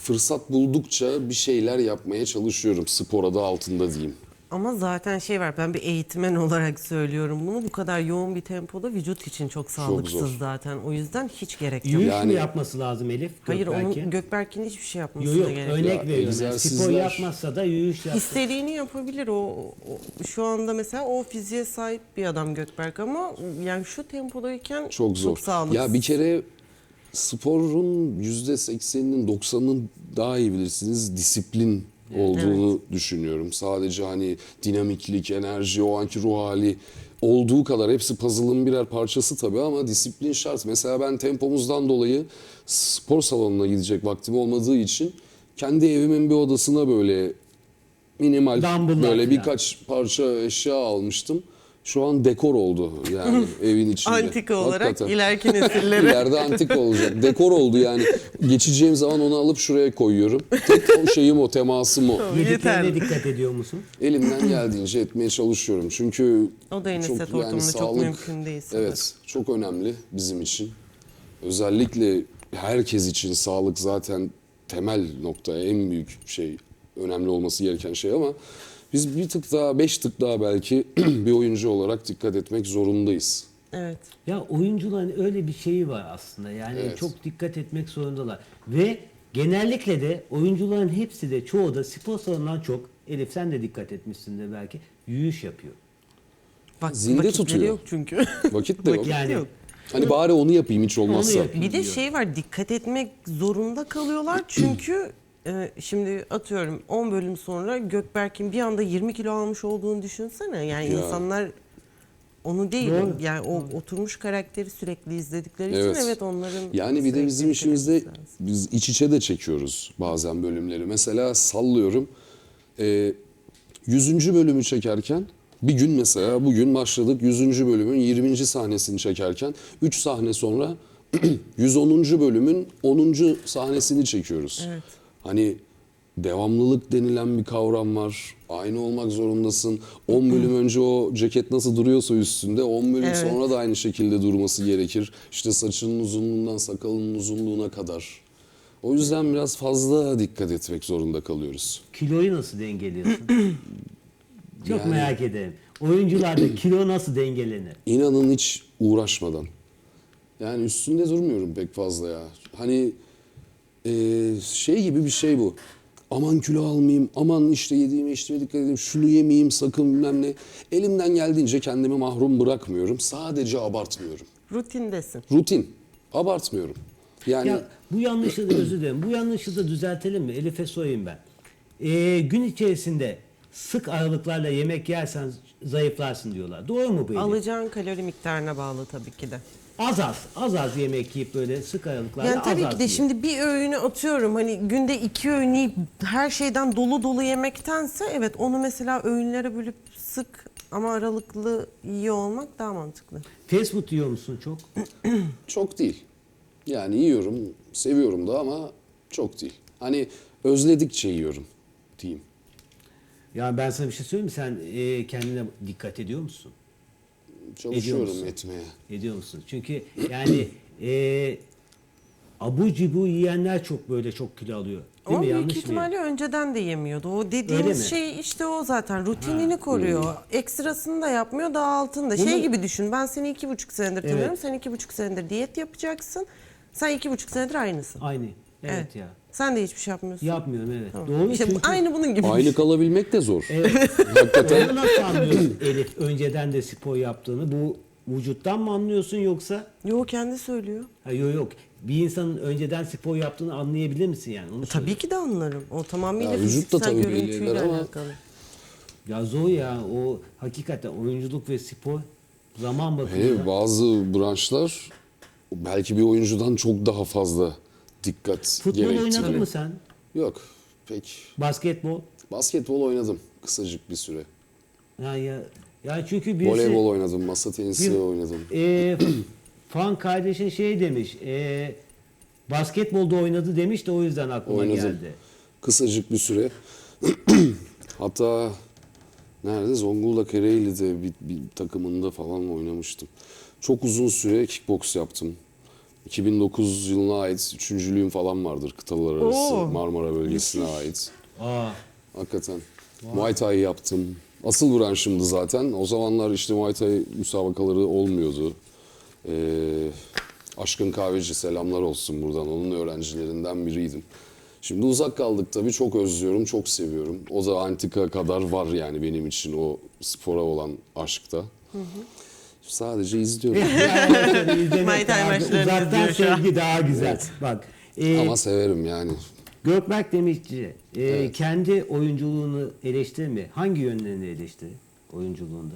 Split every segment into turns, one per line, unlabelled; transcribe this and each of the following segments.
fırsat buldukça bir şeyler yapmaya çalışıyorum. Spor adı altında diyeyim.
Ama zaten şey var, ben bir eğitmen olarak söylüyorum bunu. Bu kadar yoğun bir tempoda vücut için çok sağlıksız
zor.
zaten. O yüzden hiç gerek yok.
Yürüyüş
Yani-
mü yapması lazım Elif?
Hayır,
Gökberk'in?
onun Gökberk'in hiçbir şey
Yok
yapmasına
yok,
gerek yok.
örnek
Ya,
veriyorum. Yani
egzersizler-
spor yapmazsa da yürüyüş yapsın.
İstediğini yapabilir şu anda mesela o fiziğe sahip bir adam Gökberk ama yani şu tempodayken
Çok zor.
çok sağlıksız.
Ya bir kere sporun %80'inin 90'ının daha iyi bilirsiniz disiplin olduğunu düşünüyorum. Sadece hani dinamiklik, enerji, o anki ruh hali olduğu kadar hepsi puzzle'ın birer parçası tabii ama disiplin şart. Mesela ben tempomuzdan dolayı spor salonuna gidecek vaktim olmadığı için kendi evimin bir odasına böyle minimal
Dumbbell'lar
böyle
falan.
birkaç parça eşya almıştım. Şu an dekor oldu yani evin içinde.
Antika olarak
Hakikaten.
ileriki nesillere.
İleride antika olacak. Dekor oldu yani. Geçeceğim zaman onu alıp şuraya koyuyorum. Tek o şeyim o, temasım o.
Yeterli.
Yediklerine dikkat ediyor musun?
Elimden geldiğince etmeye çalışıyorum. Çünkü
O da yine set ortamında çok mümkün değil sanırım.
Evet, çok önemli bizim için. Özellikle herkes için sağlık zaten temel nokta, en büyük şey, önemli olması gereken şey ama biz bir tık daha, 5 tık daha belki bir oyuncu olarak dikkat etmek zorundayız.
Evet.
Ya oyuncuların öyle bir şeyi var aslında. Yani
Evet.
çok dikkat etmek zorundalar. Ve genellikle de oyuncuların hepsi de çoğu da spor salonundan çok, Elif sen de dikkat etmişsindir belki, yürüyüş yapıyor.
Bak,
Zinde
vakitleri
tutuyor.
yok çünkü.
Vakit de yok.
Yani
Yok.
Hani bari onu yapayım hiç olmazsa.
yapayım.
Bir de
diyor.
şey var, dikkat etmek zorunda kalıyorlar çünkü şimdi atıyorum 10 bölüm sonra Gökberk'in bir anda 20 kilo almış olduğunu düşünsene. Yani
Ya.
insanlar onu değil,
Doğru.
yani o oturmuş karakteri sürekli izledikleri
Evet.
için evet onların
Yani bir de
sürekli
bizim
dikkat
işimizde
etmesi lazım.
biz iç içe de çekiyoruz bazen bölümleri. Mesela sallıyorum 100. bölümü çekerken bir gün mesela bugün başladık 100. bölümün 20. sahnesini çekerken 3 sahne sonra 110. bölümün 10. sahnesini çekiyoruz.
Evet.
Hani devamlılık denilen bir kavram var. Aynı olmak zorundasın. 10 bölüm önce o ceket nasıl duruyorsa üstünde 10 bölüm
Evet.
sonra da aynı şekilde durması gerekir. İşte saçının uzunluğundan sakalının uzunluğuna kadar. O yüzden biraz fazla dikkat etmek zorunda kalıyoruz.
kiloyu nasıl dengeliyorsun? Çok
Yani-
merak ederim. Oyuncularda kilo nasıl dengelenir?
İnanın hiç uğraşmadan. Yani üstünde durmuyorum pek fazla ya. Hani şey gibi bir şey bu. Aman kilo almayayım, aman işte yediğime içtiğime dikkat edeyim, şunu yemeyeyim sakın bilmem ne. Elimden geldiğince kendimi mahrum bırakmıyorum. Sadece abartmıyorum.
Rutindesin.
Rutin. Abartmıyorum. Yani
Ya bu yanlışı da özür dilerim. Bu yanlışı da düzeltelim mi? Elif'e sorayım ben. Gün içerisinde sık aralıklarla yemek yersen zayıflarsın diyorlar. Doğru mu bu Elif?
Alacağın kalori miktarına bağlı tabii ki de.
Az az yemek yiyip böyle sık aralıklarla
Yani tabii
az
ki de
yiyin.
şimdi bir öğünü atıyorum, hani günde 2 öğün yiyip her şeyden dolu dolu yemektense evet onu mesela öğünlere bölüp sık ama aralıklı yiyor olmak daha mantıklı.
Fast food yiyor musun çok?
çok değil. Yani yiyorum, seviyorum da ama çok değil. Hani özledikçe yiyorum diyeyim.
Ya ben sana bir şey söyleyeyim mi? Sen kendine dikkat ediyor musun?
Çalışıyorum
musun?
etmeye.
Ediyor musun? Çünkü yani abu cibu yiyenler çok böyle çok kilo alıyor. Değil
O
mi?
büyük
Yanlış mı?
ihtimalle önceden de yemiyordu. O
Öyle
dediğimiz
mi?
şey işte o zaten rutinini koruyor. Ekstrasını da yapmıyor, daha altında. Şey
Bunu-
gibi düşün, ben seni 2,5 senedir
Evet.
tanıyorum. Sen 2,5 senedir diyet yapacaksın. Sen 2,5 senedir aynısın.
Aynı. Evet, ya.
Sen de hiçbir şey yapmıyorsun.
Yapmıyorum evet.
Tamam.
Doğru
İşte
çünkü.
aynı bunun gibi.
Aynı kalabilmek de zor.
Evet.
Hakikaten.
Onu nasıl anlıyorsun Elif önceden de spor yaptığını? Bu vücuttan mı anlıyorsun yoksa?
Yo, kendi söylüyor.
Ha, yok. Bir insanın önceden spor yaptığını anlayabilir misin yani? Onu
Tabii ki de anlarım. O tamamıyla
Ya vücut da
fiziksel
tabii belli
görüntüyle
eder ama-
alakalı.
Ya zor ya o hakikaten oyunculuk ve spor zaman bakımından.
Hele bazı branşlar belki bir oyuncudan çok daha fazla dikkat
Futbol
gerektiriyor.
oynadın mı sen?
Yok pek.
Basketbol?
Basketbol oynadım kısacık bir süre.
Ya çünkü birisi
Voleybol oynadım, masa tenisi
Bir-
oynadım.
fan kardeşin şey demiş. Basketbolda oynadı demiş de o yüzden aklıma
Oynadım.
geldi.
Kısacık bir süre. Hatta nerede? Zonguldak Ereğli'de bir takımında falan oynamıştım. Çok uzun süre kickbox yaptım. 2009 yılına ait üçüncülüğüm falan vardır kıtalar arası
Oo.
Marmara bölgesine ait.
Aa,
Hakikaten. Muay Thai yaptım. Asıl branşımdı zaten. O zamanlar işte Muay Thai müsabakaları olmuyordu. Aşkın Kahveci selamlar olsun buradan. Onun öğrencilerinden biriydim. Şimdi uzak kaldık tabii. Çok özlüyorum, çok seviyorum. O da antika kadar var yani benim için o spora olan aşkta. Sadece izliyorum.
Muay Thai maçlarını
uzaktan
izliyor şu an.
sevgi daha güzel. Bak.
Ama severim yani.
Gökberk Demirci kendi oyunculuğunu eleştirir mi? Hangi yönlerini eleştirir oyunculuğunda?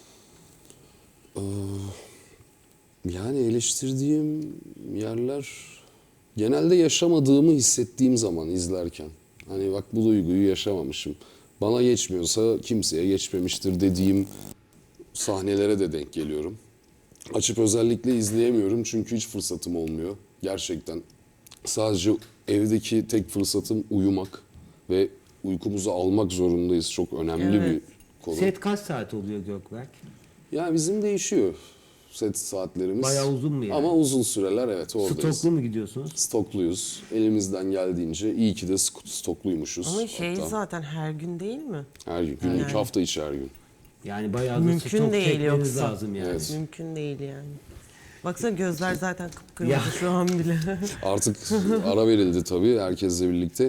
Yani eleştirdiğim yerler genelde yaşamadığımı hissettiğim zaman izlerken. Hani bak bu duyguyu yaşamamışım. Bana geçmiyorsa kimseye geçmemiştir dediğim sahnelere de denk geliyorum. Açıp özellikle izleyemiyorum çünkü hiç fırsatım olmuyor. Gerçekten sadece evdeki tek fırsatım uyumak ve uykumuzu almak zorundayız. Çok önemli
Evet.
bir konu.
Set kaç saat oluyor Gökberk?
Yani bizim değişiyor set saatlerimiz.
Bayağı uzun mu yani?
Ama uzun süreler evet oradayız.
Stoklu mu gidiyorsunuz?
Stokluyuz. Elimizden geldiğince iyi ki de stokluymuşuz.
Ama şey
hatta.
zaten her gün değil mi?
Her gün, günlük
Yani.
hafta içi her gün.
Yani bayağı da
Mümkün
stok
değil
çekmeniz
yoksa.
lazım yani.
Evet.
Mümkün değil yani. Baksana gözler zaten kıpkırmızı
Ya.
şu an bile.
Artık ara verildi tabii herkesle birlikte.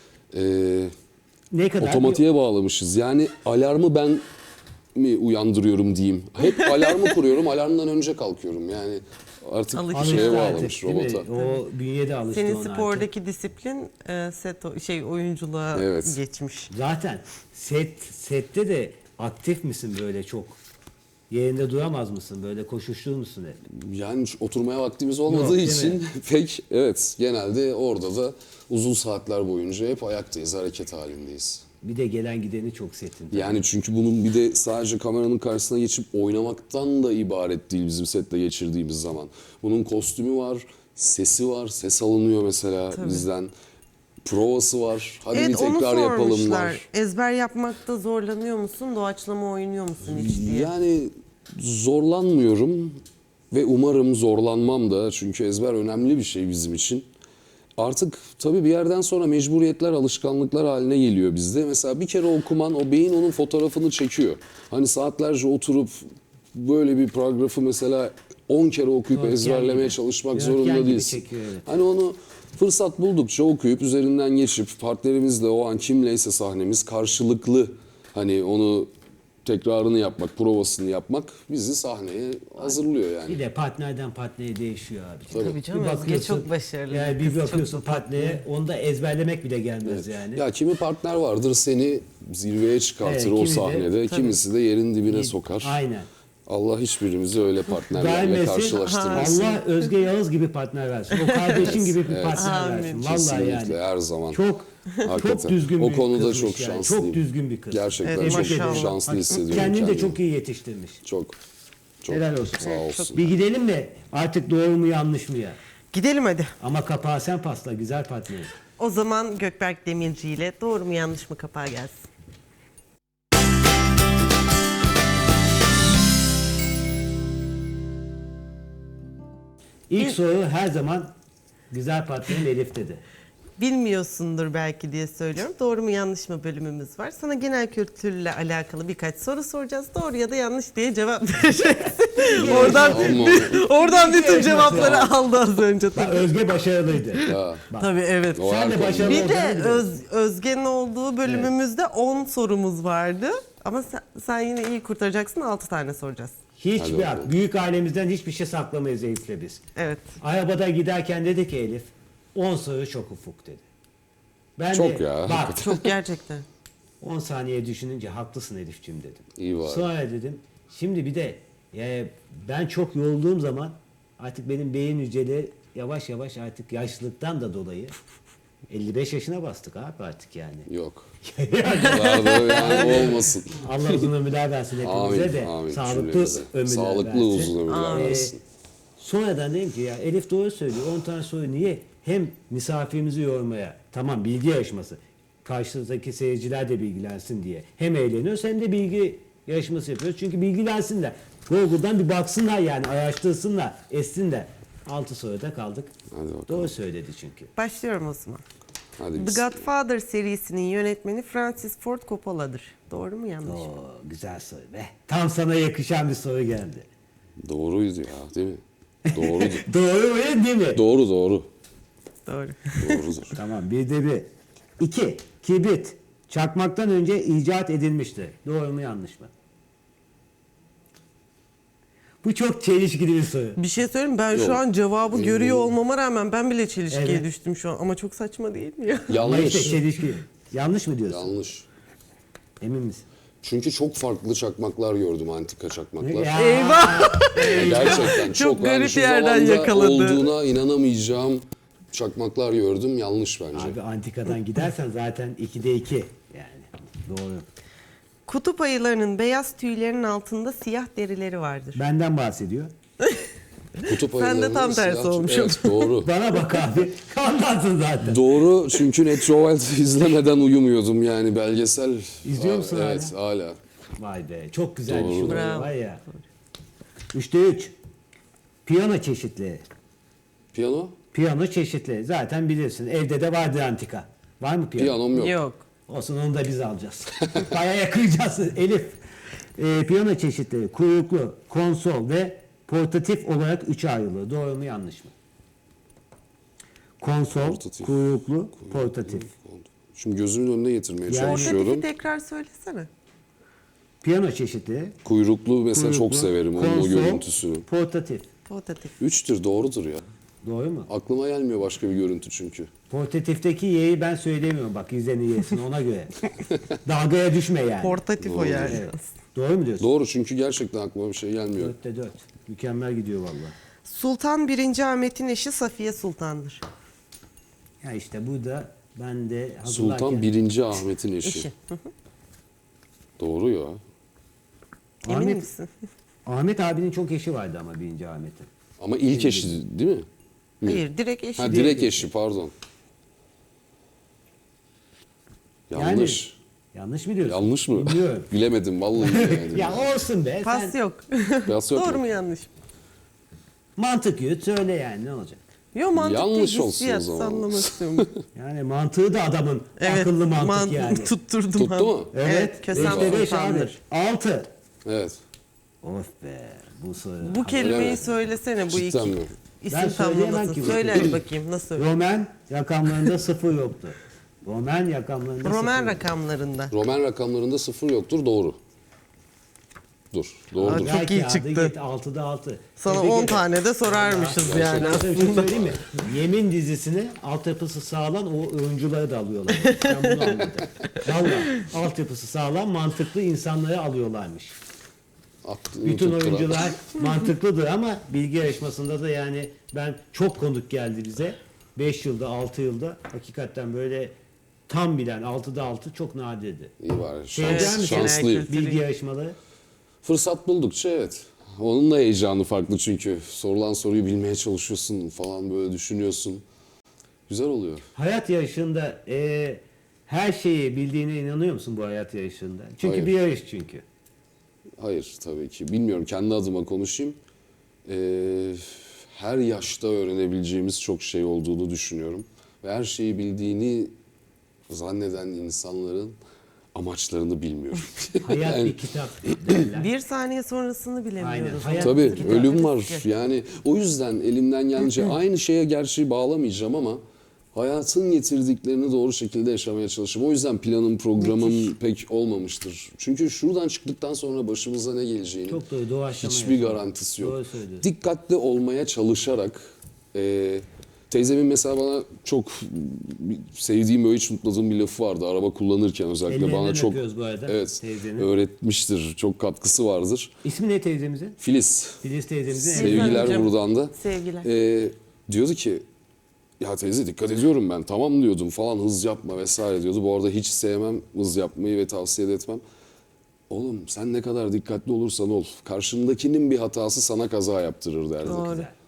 Ne kadar?
Otomatiğe bağlamışız. Yani alarmı ben mi uyandırıyorum diyeyim. Hep alarmı kuruyorum, alarmdan önce kalkıyorum. Yani artık
Alışmış
şeye
Alıştı
bağlamış
artık, değil mi?
robota.
O bünyede alıştı
Senin
ona artık.
spordaki disiplin oyunculuğa
Evet.
geçmiş.
Zaten sette de aktif misin böyle çok? Yerinde duramaz mısın? Böyle koşuşturur musun hep?
Yani oturmaya vaktimiz olmadığı
değil
için
mi?
pek evet genelde orada da uzun saatler boyunca hep ayaktayız, hareket halindeyiz.
Bir de gelen gideni çok setin.
Yani çünkü bunun bir de sadece kameranın karşısına geçip oynamaktan da ibaret değil bizim sette geçirdiğimiz zaman. Bunun kostümü var, sesi var, ses alınıyor mesela bizden. Provası var, hadi bir
Evet onu
tekrar yapalım
sormuşlar.
var.
Ezber yapmakta zorlanıyor musun? Doğaçlama oynuyor musun hiç diye.
Yani zorlanmıyorum ve umarım zorlanmam da çünkü ezber önemli bir şey bizim için. Artık tabii bir yerden sonra mecburiyetler, alışkanlıklar haline geliyor bizde. Mesela bir kere okuman, o beyin onun fotoğrafını çekiyor. Hani saatlerce oturup böyle bir paragrafı mesela 10 kere okuyup
Röntgen
ezberlemeye
gibi.
çalışmak
Röntgen
zorunda
gibi
değilsin.
çekiyor, evet.
Hani onu fırsat buldukça okuyup üzerinden geçip partnerimizle o an kimleyse sahnemiz karşılıklı hani onu tekrarını yapmak, provasını yapmak bizi sahneye hazırlıyor yani.
Bir de partnerden partnere değişiyor abi.
Tabii canım,
Bir
Özge
bakıyorsun,
çok başarılı.
Yani
Kız
bir
çok
bakıyorsun partnere, onu da ezberlemek bile gelmez yani.
Ya kimi partner vardır seni zirveye çıkartır
Evet,
o
kimi de-
sahnede, kimisi de yerin dibine sokar.
Aynen.
Allah hiçbirimizi öyle partnerlerle
Vermesin,
karşılaştırmasın.
Allah Özge Yağız gibi partner versin. O kardeşin gibi bir partner
Amin.
versin. Vallahi
Kesinlikle
yani.
her zaman.
Çok
Hakikaten.
düzgün
O
bir
konuda
kızmış
çok
yani.
şanslıyım.
Çok düzgün bir kız.
Gerçekten
Evet,
çok
maşallah.
şanslı hissediyorum
Kendini de
kendimi.
çok iyi yetiştirmiş.
Çok.
Helal olsun.
Sağ olsun.
Bir gidelim de artık doğru mu yanlış mı ya?
Gidelim hadi.
Ama kapağı sen pasla güzel partnerim.
O zaman Gökberk Demirci ile doğru mu yanlış mı kapağı gelsin.
İlk soru her zaman güzel partnerim Elif dedi.
Bilmiyorsundur belki diye söylüyorum. Doğru mu yanlış mı bölümümüz var. Sana genel kültürle alakalı birkaç soru soracağız. Doğru ya da yanlış diye cevap vereceksin. oradan bütün cevapları aldı az önce.
Bak,
Tabii.
Özge başarılıydı.
Ya,
Tabii evet.
o
Sen de
her konuda.
başarılı
Bir de
olacağını biliyorum.
Özge'nin olduğu bölümümüzde 10 sorumuz vardı. Ama sen yine iyi kurtaracaksın, 6 tane soracağız.
Hadi
Hiçbir
bakalım.
büyük ailemizden hiçbir şey saklamayız Elif'le biz.
Evet.
Arabada giderken dedi ki Elif 10 soru çok ufuk dedi. Ben
Çok
de,
ya,
bak
Çok gerçekten.
10 saniye düşününce haklısın Elif'ciğim dedim.
İyi var.
Sonra dedim şimdi bir de ben çok yorulduğum zaman artık benim beyin hücreleri yavaş yavaş artık yaşlılıktan da dolayı 55 yaşına bastık abi artık yani.
Yok. Kadar da yani olmasın.
Allah uzun ömürler versin hepimize
Amin,
de.
amin.
Sağlıklı
Cümlemize.
ömürler
Sağlıklı
versin.
uzun ömürler
Amin.
versin.
Sonradan dedim ki ya Elif doğru söylüyor. 10 tane soru niye? Hem misafirimizi yormaya, tamam bilgi yarışması. Karşımızdaki seyirciler de bilgilensin diye. Hem eğleniyoruz hem de bilgi yarışması yapıyoruz. Çünkü bilgilensinler. Google'dan bir baksınlar yani araştırsınlar, etsinler. 6 soruda kaldık.
Hadi bakalım.
Doğru söyledi çünkü.
Başlıyorum o zaman.
Hadi
The
biz.
Godfather serisinin yönetmeni Francis Ford Coppola'dır. Doğru mu yanlış mı?
Oo, güzel soru be. Tam sana yakışan bir soru geldi.
Doğruydu ya, değil mi? Doğrudur.
Doğru mu değil mi?
Doğru.
Doğru.
Doğrudur.
Tamam, bir de bir. 2. Kibrit çakmaktan önce icat edilmişti. Doğru mu yanlış mı? Bu çok çelişkili bir soru.
Bir şey söyleyeyim mi? Ben
Yok.
şu an cevabı
Emin
görüyor
değilim.
olmama rağmen ben bile çelişkiye
Evet.
düştüm şu an. Ama çok saçma değil mi ya?
Ama işte
Yanlış.
çelişkili. Yanlış mı diyorsun?
Yanlış.
Emin misin?
Çünkü çok farklı çakmaklar gördüm, antika çakmaklar.
Ya.
Eyvah!
Gerçekten çok.
Çok
yani
garip
şu
yerden
zamanda
yakaladı.
olduğuna inanamayacağım çakmaklar gördüm. Yanlış bence.
Abi antikadan gidersen zaten 2'de 2. Yani doğru.
Kutup ayılarının beyaz tüylerinin altında siyah derileri vardır.
Benden bahsediyor.
Kutup
Sen de
ayılarının
tam tersi
siyah-
olmuşsun.
Evet, doğru.
Bana bak abi. Anlatsın zaten.
Doğru, çünkü Netrovelt izlemeden uyumuyordum yani, belgesel.
İzliyor musun
Evet, hala.
Vay be, çok güzel bir
Doğru.
şey
Bravo.
var ya. 3'te 3. Piyano çeşitleri.
Piyano?
Piyano çeşitleri. Zaten bilirsin. Evde de vardır antika. Var mı piyano?
Piyanom yok.
Yok.
Olsun, onu da biz alacağız. Bayağı yakacağız. Elif. Piyano çeşitleri. Kuyruklu, konsol ve portatif olarak 3'e ayrılıyor. Doğru mu yanlış mı? Konsol,
Portatif.
kuyruklu, portatif.
Şimdi gözümün önüne getirmeye
Yani-
çalışıyorum.
Portatifi tekrar söylesene.
Piyano çeşitleri.
Kuyruklu mesela çok
kuyruklu,
severim onun o
konsol,
görüntüsünü.
portatif.
Portatif.
3'tür, doğrudur ya.
Doğru mu?
Aklıma gelmiyor başka bir görüntü çünkü.
Portatifteki y'yi ben söylemiyorum. Bak izleni yesin ona göre. Dalgaya düşme yani.
Portatif o yani.
Evet. Doğru mu diyorsun?
Doğru, çünkü gerçekten aklıma bir şey gelmiyor.
4'te 4. Mükemmel gidiyor vallahi.
Sultan 1. Ahmet'in eşi Safiye Sultan'dır.
Ya işte burada ben de
Sultan 1. Ahmet'in eşi.
Eşi.
Doğru ya.
Emin
Ahmet,
misin?
Ahmet abinin çok eşi vardı ama 1. Ahmet'in.
Ama ilk eşi değil mi?
Hayır, direkt eşi.
Ha,
değil.
direkt eşi, pardon. Yanlış.
Yanlış mı diyorsun?
Yanlış mı?
Bilmiyorum.
Bilemedim vallahi bilemedim.
Ya olsun be.
Pas
Sen
yok.
Biraz yok
Doğru
mu?
mu yanlış mı?
mantık yürüt söyle yani ne olacak?
Yo, mantık
Yanlış
değil,
olsun o
hissiyat,
zaman.
sallamak istiyorum.
Yani mantığı da adamın
Evet,
akıllı mantık yani.
Tutturdum.
Tuttu
abi.
mu?
Evet.
Kösem
5'te 5 abi.
Sultan'dır.
6.
Evet.
Of be. Bu soru.
Bu
Öyle
kelimeyi
mi?
söylesene bu
Cidden
iki.
mi?
İsim
Ben söyleyemem
tamlamasın.
ki.
Söyle hadi bakayım nasıl?
Roman rakamlarında 0 yoktu. Roman rakamlarında
Roman
0
rakamlarında.
Roman rakamlarında 0 yoktur, doğru. Doğrudur.
Aa, çok iyi çıktı.
Git 6'da 6.
Sana
Tebrik
10
ederim.
tane de sorarmışız yani
Ben sana bir şey
aslında.
söyleyeyim mi? Yemin dizisini altyapısı sağlam o oyuncuları da alıyorlar. Ben bunu anladım. Valla altyapısı sağlam mantıklı insanları alıyorlarmış.
Attığını
Bütün
tutturan.
oyuncular mantıklıdır ama bilgi yarışmasında da yani ben çok konuk geldi bize. 5 yılda 6 yılda hakikaten böyle tam bilen 6'da 6 çok nadirdi.
İyi var.
Şey der misin?
Şanslıyım.
Genel
Bilgi yarışmaları.
Fırsat buldukça evet. Onun da heyecanı farklı çünkü. Sorulan soruyu bilmeye çalışıyorsun falan, böyle düşünüyorsun. Güzel oluyor.
Hayat yarışında her şeyi bildiğine inanıyor musun bu hayat yarışında? Çünkü
Hayır.
bir yarış çünkü.
Hayır tabii ki. Bilmiyorum, kendi adıma konuşayım. Her yaşta öğrenebileceğimiz çok şey olduğunu düşünüyorum. Ve her şeyi bildiğini zanneden insanların amaçlarını bilmiyorum.
Hayat
Yani-
bir kitap derler.
Bir saniye sonrasını bilemiyoruz.
Aynen. Hayat-
Tabii
Kitap
ölüm var.
riski.
Yani o yüzden elimden gelince aynı şeye gerçi bağlamayacağım ama hayatın getirdiklerini doğru şekilde yaşamaya çalışıyorum. O yüzden planım, programım pek olmamıştır. Çünkü şuradan çıktıktan sonra başımıza ne geleceğini
Çok doğru, doğaçlama
hiçbir
yaşam.
garantisi yok.
Doğru söylüyorsun.
Dikkatli olmaya çalışarak teyzemin mesela bana çok sevdiğim, böyle hiç unutmadığım bir lafı vardı. Araba kullanırken özellikle
Ellerinden
bana çok
öpüyoruz bu arada
evet,
teyzenin.
öğretmiştir. Çok katkısı vardır.
İsmi ne teyzemizin?
Filiz.
Filiz teyzemizin.
Sevgiler.
Sevgiler
Hocam.
buradan da.
Sevgiler.
Diyordu ki ya teyze dikkat ediyorum ben, tamam diyordum falan, hız yapma vesaire diyordu. Bu arada hiç sevmem hız yapmayı ve tavsiye de etmem. Oğlum sen ne kadar dikkatli olursan ol, karşındakinin bir hatası sana kaza yaptırır derdi.
Doğru.
Güzel.